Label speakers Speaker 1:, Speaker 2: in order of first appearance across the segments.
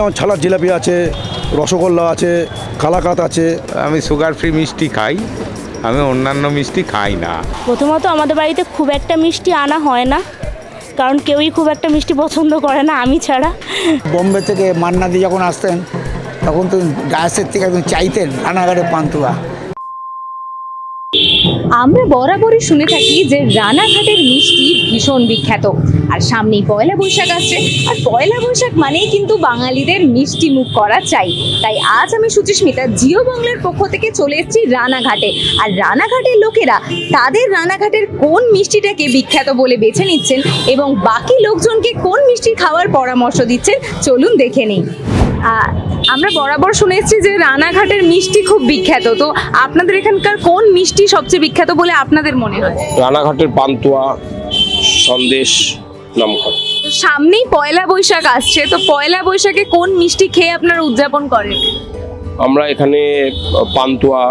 Speaker 1: যেমন ছালার জিলাপি আছে, রসগোল্লা আছে, কালাকাত আছে।
Speaker 2: আমি সুগার ফ্রি মিষ্টি খাই, আমি অন্যান্য মিষ্টি খাই না।
Speaker 3: প্রথমত আমাদের বাড়িতে খুব একটা মিষ্টি আনা হয় না, কারণ কেউই খুব একটা মিষ্টি পছন্দ করে না, আমি ছাড়া।
Speaker 4: বোম্বে থেকে মান্নাদি যখন আসতেন তখন তো গাছের থেকে একদম চাইতেন রানাঘাটের পান্তুয়া।
Speaker 5: আমরা বরাবরই শুনে থাকি যে রানাঘাটের মিষ্টি ভীষণ বিখ্যাত। আর সামনেই পয়লা বৈশাখ আসছে, আর পয়লা বৈশাখ মানেই কিন্তু বাঙালিদের মিষ্টি মুখ করা চাই। তাই আজ আমি সুচিস্মিতা জিও বাংলার পক্ষ থেকে চলে এসেছি রানাঘাটে। আর রানাঘাটের লোকেরা তাদের রানাঘাটের কোন মিষ্টিটাকে বিখ্যাত বলে বেছে নিচ্ছেন এবং বাকি লোকজনকে কোন মিষ্টি খাওয়ার পরামর্শ দিচ্ছেন, চলুন দেখে নিই। আমরা বরাবর শুনে এসেছি যে রানাঘাটের মিষ্টি খুব বিখ্যাত, তো আপনাদের এখানকার কোন মিষ্টি সবচেয়ে বিখ্যাত বলে আপনাদের মনে হয়?
Speaker 6: রানাঘাটের পান্তুয়া, সন্দেশ, নামকরা।
Speaker 5: তো সামনেই পয়লা বৈশাখ আসছে, তো পয়লা বৈশাখে কোন মিষ্টি খেয়ে আপনারা উদযাপন করেন?
Speaker 6: আমরা এখানে পান্তুয়া,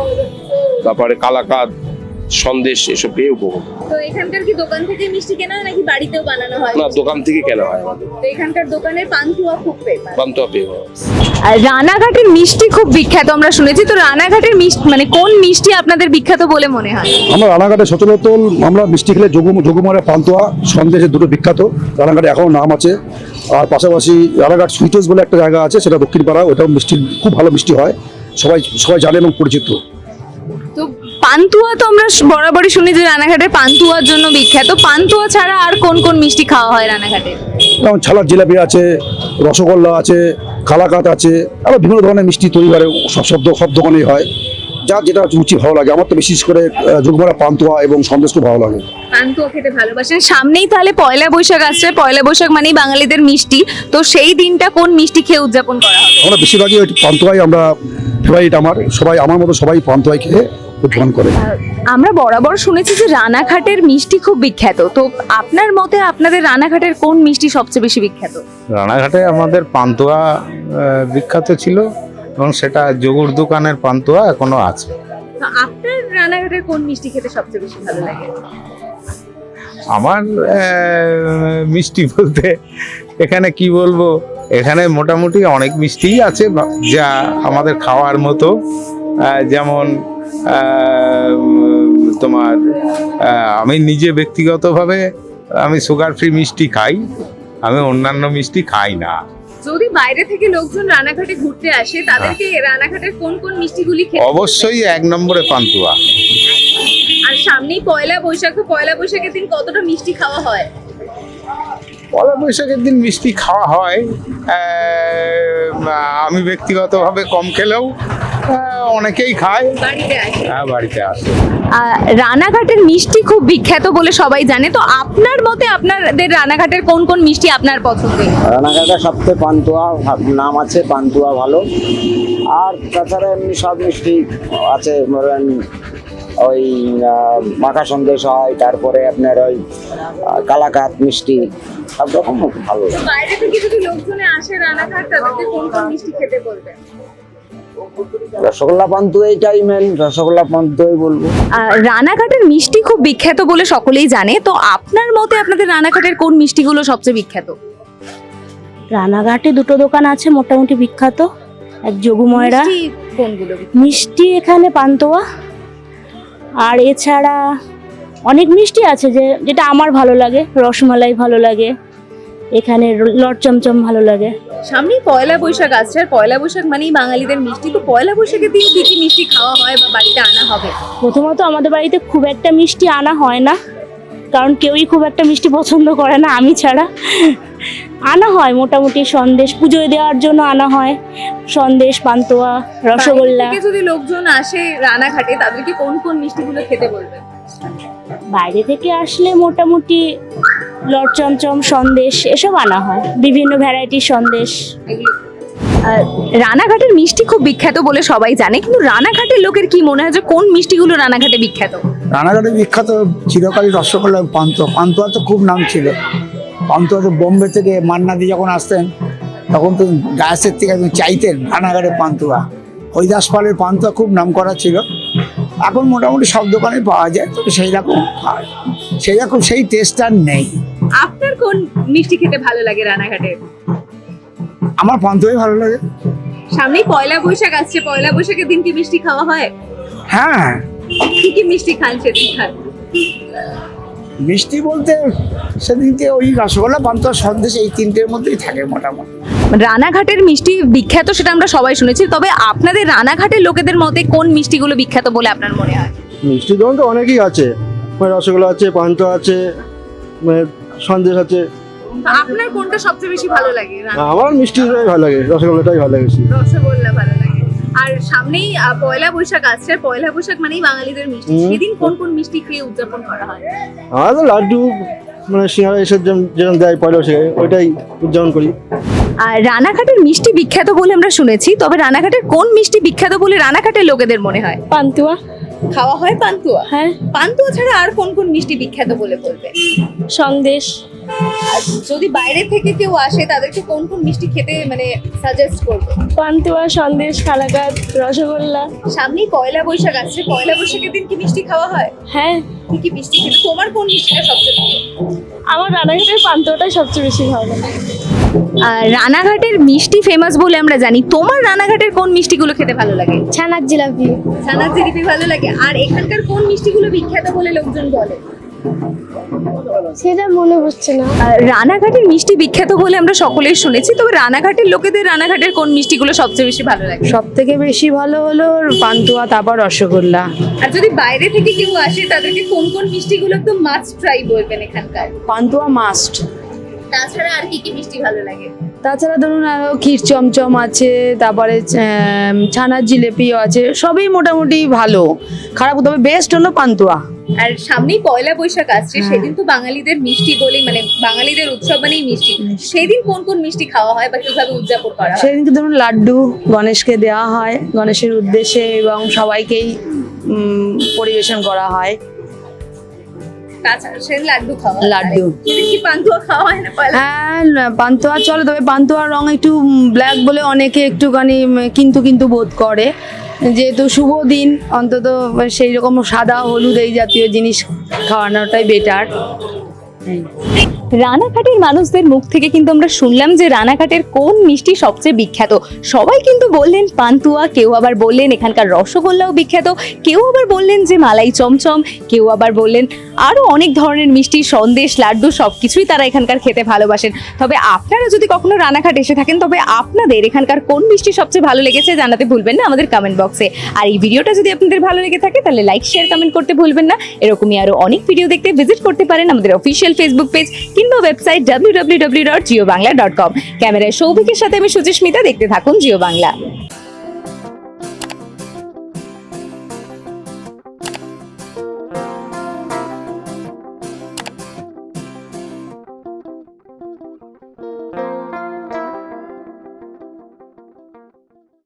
Speaker 6: তারপরে কালাকাদ, সন্দেশ এসব পেয়ে উপভোগ।
Speaker 5: তো এখানকার কি দোকান থেকে মিষ্টি কেনা হয় নাকি বাড়িতেও বানানো হয়?
Speaker 6: না, দোকান থেকে কেনা হয় আমাদের।
Speaker 5: তো এখানকার দোকানের পান্তুয়া খুব ফেমাস।
Speaker 6: পান্তুয়া পেয়ে হয়।
Speaker 5: আর রানাঘাটের মিষ্টি খুব বিখ্যাত আমরা শুনেছি, তো রানাঘাটের মিষ্টি মানে কোন মিষ্টি আপনাদের বিখ্যাত বলে মনে হয়?
Speaker 1: আমরা রানাঘাটে সচরাচর আমরা মিষ্টি খেলে যোগুমারের পান্তুয়া, সন্দেশের দুটো বিখ্যাত। রানাঘাটে এখনও নাম আছে। আর পাশাপাশি রানাঘাট সুইটেস বলে একটা জায়গা আছে, সেটা দক্ষিণ পাড়া, ওটাও মিষ্টি খুব ভালো মিষ্টি হয়, সবাই সবাই জানে এবং পরিচিত।
Speaker 5: তো পান্তুয়া তো আমরা বরাবরই শুনি যে রানাঘাটের পান্তুয়ার জন্য বিখ্যাত। পান্তুয়া ছাড়া আর কোন কোন মিষ্টি খাওয়া হয় রানাঘাটে?
Speaker 1: যেমন ছালার জিলাপি আছে, রসগোল্লা আছে, কালাকাত আছে, আরও বিভিন্ন ধরনের মিষ্টি তৈরি করে সব দোকানেই হয়। যার যেটা রুচি ভালো লাগে। আমার তো বিশেষ করে যোগমারা পান্তুয়া এবং সন্দেশ খুব ভালো লাগে।
Speaker 5: পান্তুয়া খেতে ভালোবাসেন। সামনেই তাহলে পয়লা বৈশাখ আসছে, পয়লা বৈশাখ মানেই বাঙালিদের মিষ্টি, তো সেই দিনটা কোন মিষ্টি খেয়ে উদযাপন করা হবে?
Speaker 1: আমরা বেশিরভাগই ওই পান্তুয়াই আমরা ফেভারিট। আমার মতো সবাই পান্তুয়াই খেয়ে উদযাপন করে।
Speaker 5: আমরা বরাবর শুনেছি যে রানাঘাটের মিষ্টি খুব বিখ্যাত, তো আপনার মতে আপনাদের রানাঘাটের কোন মিষ্টি সবচেয়ে বেশি বিখ্যাত?
Speaker 2: রানাঘাটে আমাদের পান্তুয়া বিখ্যাত ছিল এবং সেটা যোগুর দোকানের পান্তুয়া এখনো আছে।
Speaker 5: তো আপনার রানাঘাটের কোন মিষ্টি খেতে সবচেয়ে বেশি ভালো লাগে?
Speaker 2: আমার মিষ্টি বলতে এখানে কি বলবো, এখানে মোটামুটি অনেক মিষ্টিই আছে যা আমাদের খাওয়ার মতো। যেমন তোমার আমি নিজে ব্যক্তিগতভাবে আমি সুগার ফ্রি মিষ্টি খাই, আমি অন্যান্য মিষ্টি খাই না।
Speaker 5: যদি বাইরে থেকে লোকজন রানাঘাটে ঘুরতে আসে, তাদেরকে রানাঘাটের কোন কোন মিষ্টিগুলি খেতে?
Speaker 2: অবশ্যই 1 নম্বরে পান্তুয়া।
Speaker 5: আর সামনেই পয়লা বৈশাখ, তো পয়লা বৈশাখের দিন কতটা মিষ্টি খাওয়া হয়?
Speaker 2: পয়লা বৈশাখের দিন মিষ্টি খাওয়া হয়, আমি ব্যক্তিগতভাবে কম খেলেও অনেকেই খায়।
Speaker 5: বাড়িতে আসে?
Speaker 2: হ্যাঁ, বাড়িতে আসে।
Speaker 5: রানাঘাটের মিষ্টি খুব বিখ্যাত বলে সবাই জানে, তো আপনার মতে আপনাদের রানাঘাটের কোন কোন মিষ্টি আপনার পছন্দের?
Speaker 4: রানাঘাটের সবথেকে পান্তুয়া নাম আছে, পান্তুয়া ভালো। আর তাছাড়া এমনি সব মিষ্টি আছে, ধরেন ওই মাখা সন্দেশ হয়, তারপরে আপনার ওই কালাকাত মিষ্টি, সব রকম ভালো।
Speaker 5: বাইরে থেকে যদি লোকজনে আসে রানাঘাট, তাদেরকে কোন কোন মিষ্টি খেতে বলবেন?
Speaker 4: রসগোল্লা পান্তুয়া, এইটাই মেন, রসগোল্লা পান্তুয়াই বলবো।
Speaker 5: রানাঘাটের মিষ্টি খুব বিখ্যাত বলে সকলেই জানে, তো আপনার মতে আপনাদের রানাঘাটের কোন মিষ্টিগুলো সবচেয়ে বিখ্যাত?
Speaker 3: রানাঘাটে দুটো দোকান আছে মোটামুটি বিখ্যাত, এক যোগু ময়রা।
Speaker 5: মিষ্টি কোনগুলো?
Speaker 3: মিষ্টি এখানে পান্তুয়া, আর এছাড়া অনেক মিষ্টি আছে যেটা আমার ভালো লাগে। রসমালাই ভালো লাগে, এখানে লট চমচম ভালো লাগে।
Speaker 5: সামনেই পয়লা বৈশাখ আসছে, আর পয়লা বৈশাখ মানেই বাঙালিদের মিষ্টি, তো পয়লা বৈশাখের দিন কি কি মিষ্টি খাওয়া হয় বা বাড়িতে আনা হবে?
Speaker 3: প্রথমত আমাদের বাড়িতে খুব একটা মিষ্টি আনা হয় না, কারণ কেউই খুব একটা মিষ্টি পছন্দ করে না, আমি ছাড়া। আনা হয় মোটামুটি সন্দেশ, পুজোয় দেওয়ার জন্য আনা হয় সন্দেশ, পান্তুয়া, রসগোল্লা।
Speaker 5: বাইরে থেকে যদি লোকজন আসে রানাঘাটে, তাদেরকে কোন কোন মিষ্টিগুলো খেতে বলবেন?
Speaker 3: বাইরে থেকে আসলে মোটামুটি লট চমচম, সন্দেশ এসব আনা হয়, বিভিন্ন ভ্যারাইটির সন্দেশ
Speaker 5: এগুলো। রানাঘাটের মিষ্টি খুব বিখ্যাত বলে সবাই জানে, কিন্তু রানাঘাটের লোকের কি মনে হয় যে কোন মিষ্টিগুলো রানাঘাটে বিখ্যাত?
Speaker 4: রানাঘাটে বিখ্যাত চিরকালই রসগোল্লা, পান্তুয়া। পান্তুয়া তো খুব নাম ছিল। পান্তুয়া তো বোম্বে থেকে মান্নাদি যখন আসতেন তখন তো গাছের থেকে একদম চাইতেন রানাঘাটের পান্তুয়া। হরিদাস পালের পান্তুয়া খুব নাম করা ছিল। এখন মোটামুটি সব দোকানে পাওয়া যায়, তবে সেই টেস্ট আর নেই।
Speaker 5: আপনার কোন মিষ্টি খেতে ভালো লাগে রানাঘাটে?
Speaker 4: আমার পান্তুয়াই ভালো লাগে।
Speaker 5: সামনেই পয়লা বৈশাখ আসছে, পয়লা বৈশাখের দিন কি মিষ্টি খাওয়া হয়?
Speaker 4: হ্যাঁ,
Speaker 5: কি কি মিষ্টি খান সেদিন খান?
Speaker 4: মিষ্টি বলতে সেদিনকে ওই রসগোল্লা, পান্তুয়া, সন্দেশ এই তিনটের মধ্যেই থাকে মোটামুটি।
Speaker 5: রানাঘাটের মিষ্টি বিখ্যাত সেটা আমরা সবাই শুনেছি, তবে আপনাদের রানাঘাটের লোকেদের মতে কোন মিষ্টিগুলো বিখ্যাত বলে আপনার মনে হয়?
Speaker 7: মিষ্টির দোকান তো অনেকই আছে, রসগোল্লা আছে, পান্তুয়া আছে, সন্দেশ আছে।
Speaker 5: আপনার কোনটা সবচেয়ে বেশি ভালো লাগে?
Speaker 7: আমার মিষ্টিটাই ভালো লাগে, রসগোল্লাটাই ভালো লাগে বেশি।
Speaker 5: রসগোল্লা ভালো লাগে। আর সামনেই পয়লা বৈশাখ আসছে, পয়লা বৈশাখ মানেই বাঙালিদের মিষ্টি। সেদিন কোন কোন মিষ্টি খেয়ে উদযাপন করা হয়?
Speaker 7: আমার তো লাড্ডু, সিঙ্গারা এসব যেরকম দেয় পয়লা বৈশাখে, ওইটাই উদযাপন করি।
Speaker 5: আর রানাঘাটের মিষ্টি বিখ্যাত বলে আমরা শুনেছি, তবে রানাঘাটের কোন মিষ্টি বিখ্যাত বলে রানাঘাটের লোকেদের মনে হয়?
Speaker 3: পান্তুয়া।
Speaker 5: খাওয়া হয় পান্তুয়া?
Speaker 3: হ্যাঁ।
Speaker 5: পান্তুয়া ছাড়া আর কোন কোন মিষ্টি বিখ্যাত বলে বলবে?
Speaker 3: সন্দেশ।
Speaker 5: আর যদি বাইরে থেকে কেউ আসে তাদেরকে কোন কোন মিষ্টি খেতে মানে সাজেস্ট করবে?
Speaker 3: পান্তুয়া, সন্দেশ, কালাকাঁদ, রসগোল্লা।
Speaker 5: সামনেই পয়লা বৈশাখ আসছে, পয়লা বৈশাখের দিন কি মিষ্টি খাওয়া হয়?
Speaker 3: হ্যাঁ।
Speaker 5: কি কি মিষ্টি খেতে? তোমার কোন মিষ্টিটা সবচেয়ে ভালো?
Speaker 3: আমার রানাঘাটের পান্তুয়াটাই সবচেয়ে বেশি ভালো লাগে।
Speaker 5: আর রানাঘাটের মিষ্টি ফেমাস বলে আমরা জানি, তোমার রানাঘাটের কোন মিষ্টিগুলো খেতে ভালো লাগে?
Speaker 3: ছানার জিলাপি।
Speaker 5: ছানার জিলিপি ভালো লাগে। আর এখানকার কোন মিষ্টিগুলো বিখ্যাত বলে লোকজন বলে?
Speaker 3: সেটা মনে হচ্ছে না।
Speaker 5: আর রানাঘাটের মিষ্টি বিখ্যাত বলে আমরা সকলেই শুনেছি, তবে রানাঘাটের লোকেদের রানাঘাটের কোন মিষ্টিগুলো সবচেয়ে বেশি ভালো লাগে?
Speaker 8: সব থেকে বেশি ভালো হলো পান্তুয়া, তারপর রসগোল্লা।
Speaker 5: আর যদি বাইরে থেকে কেউ আসে তাদেরকে কোন কোন মিষ্টিগুলো একদম মাস্ট ট্রাই বলবেন এখানকার?
Speaker 8: পান্তুয়া মাস্ট।
Speaker 5: তাছাড়া আর কি কি মিষ্টি ভালো লাগে?
Speaker 8: তাছাড়া ধরুন আরো ক্ষীর চমচম আছে, তারপরে ছানার জিলেপিও আছে, সবই মোটামুটি ভালো, খারাপ, তবে বেস্ট হলো পান্তুয়া।
Speaker 5: আর সামনেই পয়লা বৈশাখ আসছে, সেদিন তো বাঙালিদের মিষ্টি বলেই মানে বাঙালিদের উৎসব মানেই মিষ্টি। সেদিন কোন কোন মিষ্টি খাওয়া হয় বা কিভাবে উদযাপন করা হয়?
Speaker 8: সেদিনকে ধরুন লাড্ডু গণেশকে দেওয়া হয় গণেশের উদ্দেশ্যে, এবং সবাইকেই পরিবেশন করা হয়।
Speaker 5: তাছাড়া সেদিন লাড্ডু খাওয়া হয়।
Speaker 8: লাড্ডু।
Speaker 5: সেদিন কি পান্তুয়া খাওয়া হয় না পয়লা?
Speaker 8: হ্যাঁ, পান্তুয়া চলে, তবে পান্তুয়ার রং একটু ব্ল্যাক বলে অনেকে একটুখানি কিন্তু কিন্তু বোধ করে, যেহেতু শুভ দিন অন্তত সেই রকম সাদা হলুদ এই জাতীয় জিনিস খাওয়ানোটাই বেটার।
Speaker 5: রানাঘাটের মানুষদের মুখ থেকে কিন্তু আমরা শুনলাম যে রানাঘাটের কোন মিষ্টি সবচেয়ে বিখ্যাত। সবাই কিন্তু বললেন পান্তুয়া, কেউ আবার বললেন এখানকার রসগোল্লাও বিখ্যাত, কেউ আবার বললেন যে মালাই চমচম, কেউ আবার বললেন আরও অনেক ধরনের মিষ্টি, সন্দেশ, লাড্ডু সবকিছুই তারা এখানকার খেতে ভালোবাসেন। তবে আপনারা যদি কখনো রানাঘাট এসে থাকেন, তবে আপনাদের এখানকার কোন মিষ্টি সবচেয়ে ভালো লেগেছে জানাতে ভুলবেন না আমাদের কমেন্ট বক্সে। আর এই ভিডিওটা যদি আপনাদের ভালো লেগে থাকে তাহলে লাইক, শেয়ার, কমেন্ট করতে ভুলবেন না। এরকমই আরও অনেক ভিডিও দেখতে ভিজিট করতে পারেন আমাদের অফিসিয়াল ফেসবুক পেজ কিংবা ওয়েবসাইট www.jiobangla.com। ক্যামেরায় সৌভিকের সাথে আমি সুচিস্মিতা, দেখতে থাকুন জিও বাংলা।